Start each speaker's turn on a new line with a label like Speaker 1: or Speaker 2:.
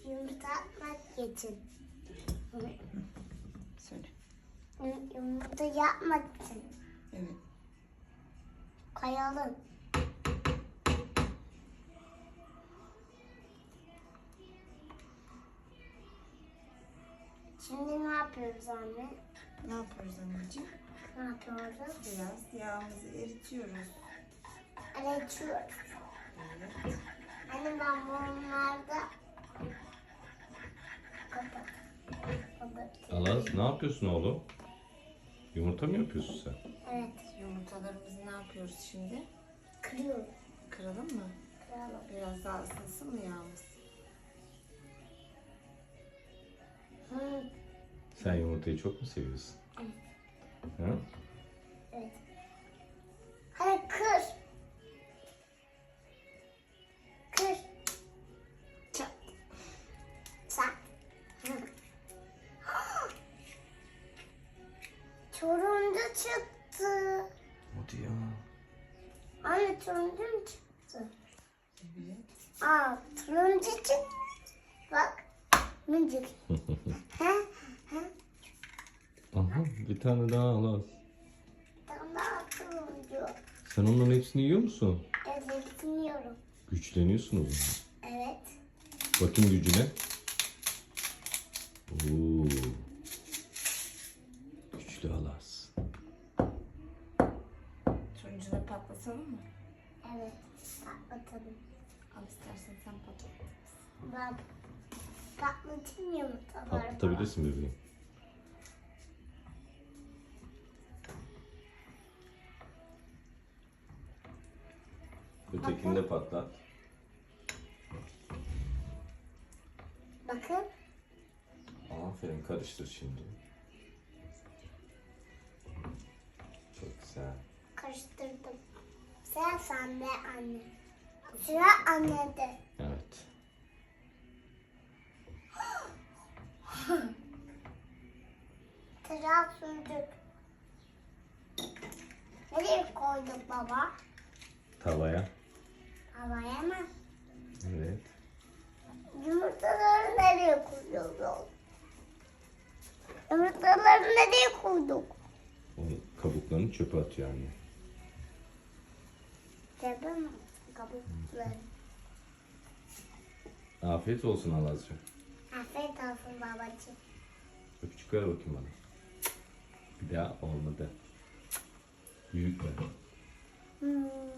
Speaker 1: Yumurta atmak için.
Speaker 2: Söyle.
Speaker 1: Yumurta yapmak için.
Speaker 2: Evet.
Speaker 1: Koyalım. Şimdi ne yapıyoruz anne?
Speaker 2: Ne yapıyoruz anneciğim?
Speaker 1: Ne yapıyoruz?
Speaker 2: Biraz yağımızı eritiyoruz.
Speaker 1: Eritiyoruz.
Speaker 2: Evet.
Speaker 1: Anne ben bunlarda kapat.
Speaker 3: Alaz, ne yapıyorsun oğlum? Yumurta mı yapıyorsun sen?
Speaker 1: Evet.
Speaker 2: Yumurtalarımızı ne yapıyoruz şimdi?
Speaker 1: Kırıyoruz.
Speaker 2: Kıralım mı?
Speaker 1: Kıralım.
Speaker 2: Biraz daha ısınsın mı yağımız?
Speaker 1: Hı.
Speaker 3: Sen yumurtayı çok mu seviyorsun?
Speaker 1: Evet.
Speaker 3: Hı?
Speaker 1: Evet. Hadi kır. Kır.
Speaker 2: Çat.
Speaker 1: Sen. Hı. Turuncu çıktı.
Speaker 3: Hadi ya.
Speaker 1: Anne turuncu mu çıktı?
Speaker 2: Evet.
Speaker 1: Aa turuncu çıktı. Bak. Minicik. He?
Speaker 3: Aha, bir tane daha Alaz.
Speaker 1: Daha turuncu.
Speaker 3: Sen onların hepsini yiyor musun?
Speaker 1: Evet bilmiyorum.
Speaker 3: Güçleniyorsun o zaman.
Speaker 1: Evet.
Speaker 3: Bakayım gücüne. Oo. Güçlü Alaz.
Speaker 2: Turuncuları patlatalım mı?
Speaker 1: Evet. Patlatalım.
Speaker 2: Al istersen sen patlat.
Speaker 1: Ben patlatayım yumurtaları.
Speaker 3: Patlatabilirsin bebeğim. Ötekini de patlat.
Speaker 1: Bakın.
Speaker 3: Aferin, karıştır şimdi. Çok güzel.
Speaker 1: Karıştırdım. Sıra sende anne. Sıra annede.
Speaker 3: Evet.
Speaker 1: Sıra sürdük. Nereye koyduk baba?
Speaker 3: Tavaya.
Speaker 1: Havaya mı?
Speaker 3: Evet.
Speaker 1: Yumurtaları nereye koyuyoruz? Yumurtaları nereye koyduk?
Speaker 3: Onun kabuklarını çöpe atıyor anne.
Speaker 1: Cebe mi? Kabukları.
Speaker 3: Afiyet olsun Alazcığım.
Speaker 1: Afiyet olsun babacığım.
Speaker 3: Öpücük ver bakayım bana. Bir daha olmadı. Büyük ver.
Speaker 1: Hmm.